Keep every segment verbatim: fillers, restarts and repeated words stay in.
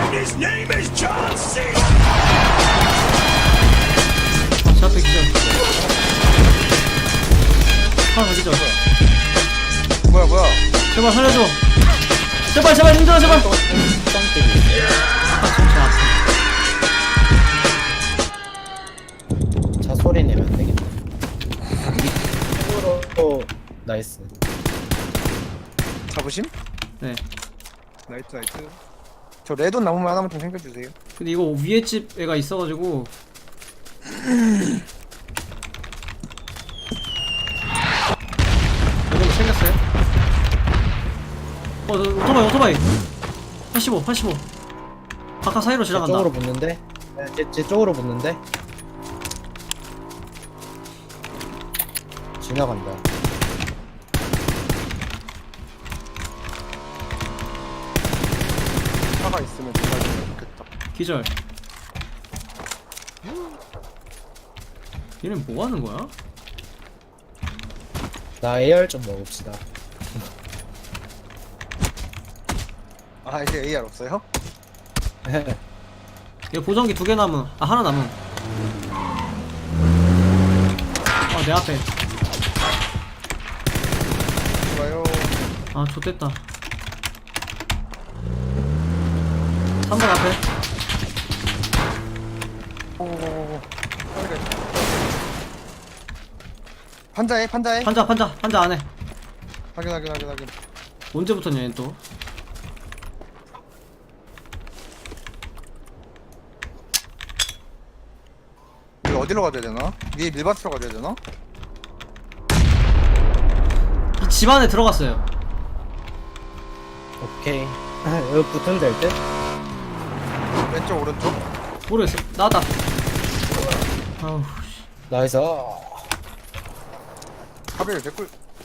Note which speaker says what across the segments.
Speaker 1: His name is John C.
Speaker 2: 제 앞에 기절. 하나 더 기절.
Speaker 3: 뭐야 뭐야
Speaker 2: 제발 살려줘. 제발 제발 힘들어 제발.
Speaker 4: 쌍대기.
Speaker 2: 아까 진짜
Speaker 4: 차 소리 내면 안 되겠다. 이쪽으로 나이스.
Speaker 3: 잡으심?
Speaker 2: 네.
Speaker 3: 나이트 나이트 저 레돈 나무만 하나만 좀 챙겨주세요.
Speaker 2: 근데 이거 위에 집 애가 있어가지고. 이거 챙겼어요? 어, 너, 오토바이, 오토바이. 팔십오, 팔십오. 바깥 사이로
Speaker 4: 제
Speaker 2: 지나간다.
Speaker 4: 쪽으로 붙는데? 네, 제, 제 쪽으로 붙는데? 지나간다.
Speaker 3: 차가 있으면 좋겠다. 좋겠다.
Speaker 2: 기절. 얘는 뭐 하는 거야?
Speaker 4: 나 에이알 좀 먹읍시다.
Speaker 3: 아 이제 에이알 없어요?
Speaker 2: 얘 보정기 두 개 남은. 아, 하나 남은. 어, 내 앞에.
Speaker 3: 좋아요.
Speaker 2: 아, 좋됐다. 삼 번 앞에.
Speaker 3: 오오오오. 판자해 판자해.
Speaker 2: 판자, 판자, 판자 안에.
Speaker 3: 확인 확인 확인 확인.
Speaker 2: 언제부터냐, 얘는 또.
Speaker 3: 이거 어디로 가야 되나? 위에 밀밭으로 가야 되나?
Speaker 2: 이 집 안에 들어갔어요.
Speaker 4: 오케이. 여기 붙으면 될 듯?
Speaker 3: 왼쪽 오른쪽?
Speaker 2: 모르겠어. 나왔다. 아우, 씨.
Speaker 4: 나이스.
Speaker 3: 카베를 개꿀.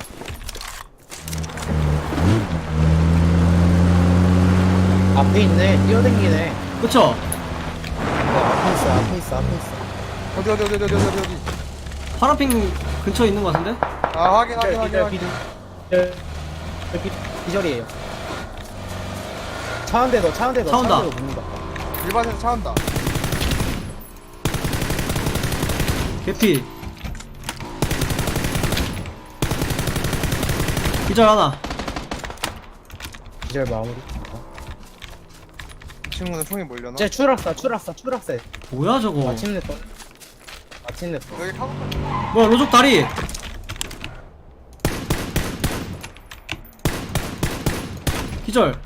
Speaker 4: 앞에 있네. 뛰어댕기네.
Speaker 2: 그쵸?
Speaker 4: 네, 앞에 있어, 앞에 있어, 앞에 있어.
Speaker 3: 어디 어디 어디 어디 어디 어디 어디.
Speaker 2: 파란핑 근처에 있는 것 같은데?
Speaker 3: 아 확인 확인 확인
Speaker 4: 기절,
Speaker 3: 확인.
Speaker 4: 기절, 기절. 여기 기절이에요. 차 한 대 더, 차 한 대 더.
Speaker 2: 차 온다.
Speaker 4: 차 한 대 더 붙는다.
Speaker 3: 밀밭에서 차 온다.
Speaker 2: 개피. 기절 하나.
Speaker 4: 기절 마무리.
Speaker 3: 친구는 총이 몰려나?
Speaker 4: 쟤 추락사, 추락사, 추락사.
Speaker 2: 뭐야 저거?
Speaker 4: 마침내 또. 마침내 또.
Speaker 3: 여기 타고
Speaker 2: 뭐야 로족 다리. 기절.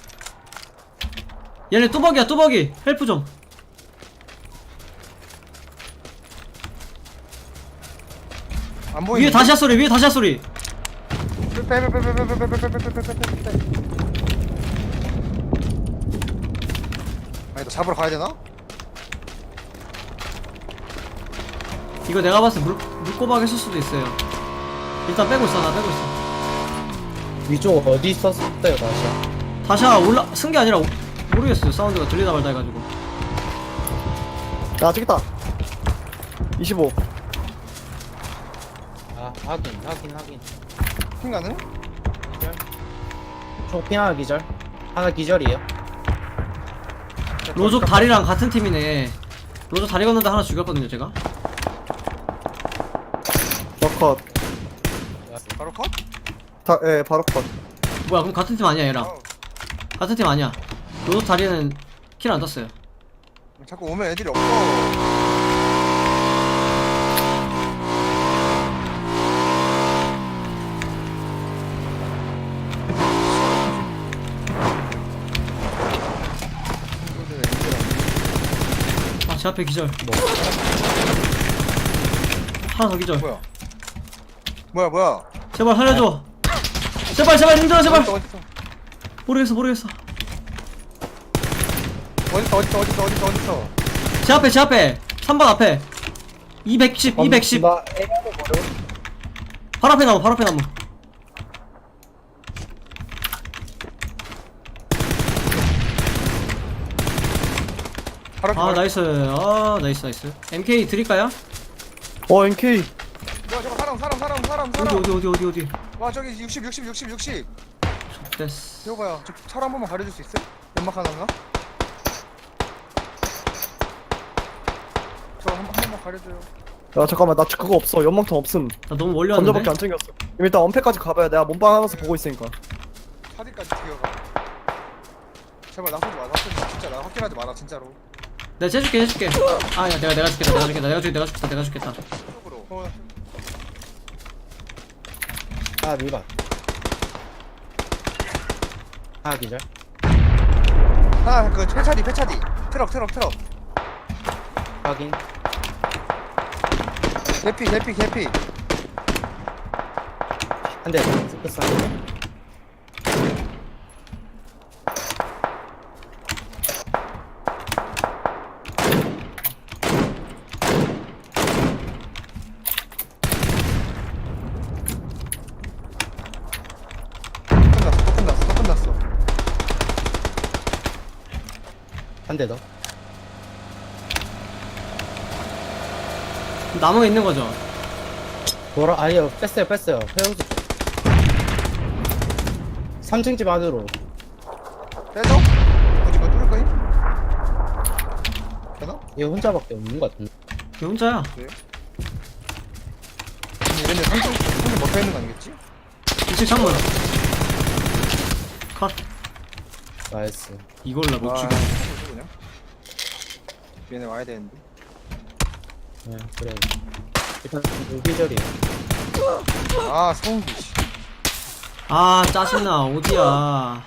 Speaker 2: 얘네 뚜벅이야 뚜벅이. 헬프 좀.
Speaker 3: 안 보이네.
Speaker 2: 위에 다시야 소리 위에 다시야 소리.
Speaker 3: 빼빼빼빼빼빼빼빼빼빼빼빼빼빼. 아니 너 잡으러 가야 되나?
Speaker 2: 이거 내가 봤을 때 물, 물꼬박 했을 수도 있어요. 일단 빼고 있어 나 빼고 있어.
Speaker 4: 위쪽 어디 있었어요, 다시야?
Speaker 2: 다시야 올라 쓴 게 아니라 오- 모르겠어요. 사운드가 들리다 말다 해가지고.
Speaker 5: 아 저기있다 이십오.
Speaker 4: 아, 확인, 확인, 확인.
Speaker 3: 핑 가능?
Speaker 4: 기절. 총핀 하나 기절. 하나 기절이에요.
Speaker 2: 로족 다리랑 같은 팀이네. 로족 다리 건너데 하나 죽였거든요 제가.
Speaker 5: 저컷.
Speaker 3: 바로 컷?
Speaker 5: 다, 예 바로 컷.
Speaker 2: 뭐야 그럼 같은 팀 아니야 얘랑.
Speaker 3: 어.
Speaker 2: 같은 팀 아니야. 로족 다리는 킬 안 떴어요.
Speaker 3: 자꾸 오면 애들이 없어. 친구들 애들 없네.
Speaker 2: 아 제 앞에 기절.
Speaker 4: 뭐.
Speaker 2: 하나 더 기절.
Speaker 3: 뭐야? 뭐야 뭐야?
Speaker 2: 제발 살려줘. 제발 제발 힘들어 제발.
Speaker 3: 어딨어 어딨어
Speaker 2: 모르겠어 모르겠어.
Speaker 3: 어딨어 어딨어 어딨어 어딨어 어딨어?
Speaker 2: 제 앞에 제 앞에 삼 번 앞에 이백십 이백십
Speaker 4: 나 에이알을 버려.
Speaker 2: 바로 앞에 나무 바로 앞에 나무.
Speaker 3: 바로
Speaker 2: 아 나이스. 아 나이스 나이스. 엠케이 드릴까요?
Speaker 5: 어 엔케이.
Speaker 3: 뭐야 저거 사람 사람 사람 사람
Speaker 2: 어디
Speaker 3: 사람.
Speaker 2: 어디 어디 어디 어디.
Speaker 3: 와 저기 육십 육십 육십 육십.
Speaker 2: 됐어.
Speaker 3: 이거 봐요. 저 차로 한 번만 가려줄 수 있어요? 연막 하나인가? 한번 가려줘요.
Speaker 5: 야 잠깐만 나 그거 없어. 연막탄 없음.
Speaker 2: 나 너무 멀리
Speaker 5: 건져밖에
Speaker 2: 왔는데?
Speaker 5: 안 챙겼어. 그럼 일단 언패까지 가봐야 내가 몸빵 하면서 보고 있으니까.
Speaker 3: 차디까지 뛰어가. 제발 나 쏘지 마. 나 쏘지 마. 진짜 나 확실하지 마라 진짜로.
Speaker 2: 내가 해줄게 해줄게 아 야, 내가 내가 죽겠다 내가 죽겠다 내가 죽겠다 내가 죽겠다 내가 죽겠다
Speaker 3: 쪽으로. 어.
Speaker 4: 하나 밀반. 하나 기절.
Speaker 3: 하나 그 폐차디 폐차디. 트럭 트럭 트럭.
Speaker 4: 확인.
Speaker 3: 개피 개피 개피.
Speaker 4: 한 대. 스크스 한 대.
Speaker 3: 끝났어 또 끝났어 또 끝났어.
Speaker 4: 한 대 더.
Speaker 2: 나무에 있는 거죠?
Speaker 4: 돌아, 아니요, 뺐어요, 뺐어요. 회오지 쪽. 삼 층 집 안으로.
Speaker 3: 빼줘? 어디 뭐 뚫을 거임? 되나?
Speaker 4: 얘 혼자밖에 없는 것 같은데.
Speaker 2: 얘 혼자야
Speaker 3: 근데 얘네 삼촌 삼촌 못 빼는 거 아니겠지?
Speaker 2: 이 층 창문 컷
Speaker 4: 나이스.
Speaker 2: 이걸 나 못
Speaker 3: 아,
Speaker 2: 죽여
Speaker 3: 삼촌 그냥. 얘네 와야 되는데.
Speaker 4: 네, 그래. 일단, 무기절이에요.
Speaker 3: 아 성기. 씨.
Speaker 2: 아 짜증나 어디야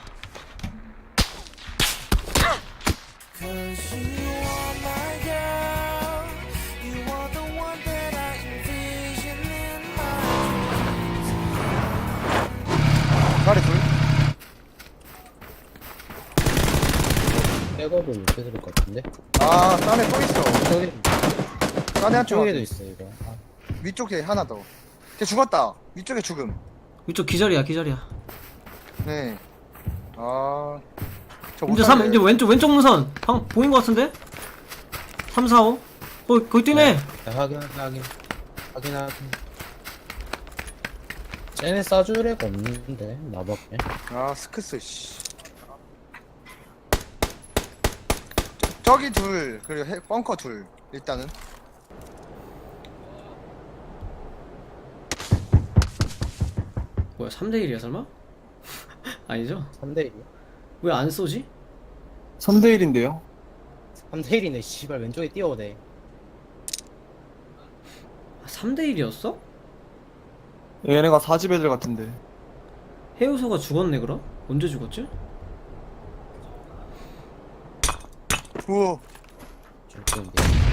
Speaker 1: Cause you are my girl. You are the one that I envision in my
Speaker 3: 가리 둘.
Speaker 4: 백업을 못 해드릴 것 같은데.
Speaker 3: 아 딴에 또 있어.
Speaker 4: 저기,
Speaker 3: 딴에 한쪽
Speaker 4: 쪽에도 있어, 이거. 아,
Speaker 3: 위쪽에 하나 더. 걔 죽었다. 위쪽에 죽음.
Speaker 2: 이쪽 기절이야 기절이야
Speaker 3: 네. 아. 저
Speaker 2: 이제 삼 이제 왼쪽 왼쪽 문선 방 보인 거 같은데? 삼, 사, 오 어 거기 뛰네
Speaker 4: 네, 확인, 확인. 확인, 확인. 쟤네 싸줄 애가 없는데, 나밖에.
Speaker 3: 아 스크스 씨. 저, 저기 둘 그리고 해, 벙커 둘 일단은.
Speaker 2: 뭐야 삼 대 일이야 설마? 아니죠?
Speaker 4: 삼 대 일이야.
Speaker 2: 왜 안 쏘지?
Speaker 5: 삼 대 일인데요.
Speaker 4: 삼 대 일이네, 씨발. 왼쪽에 뛰어오네.
Speaker 2: 삼 대 일이었어?
Speaker 5: 얘네가 사 집 애들 같은데.
Speaker 2: 해우소가 죽었네 그럼? 언제 죽었지?
Speaker 3: 우와.
Speaker 4: 줄건데.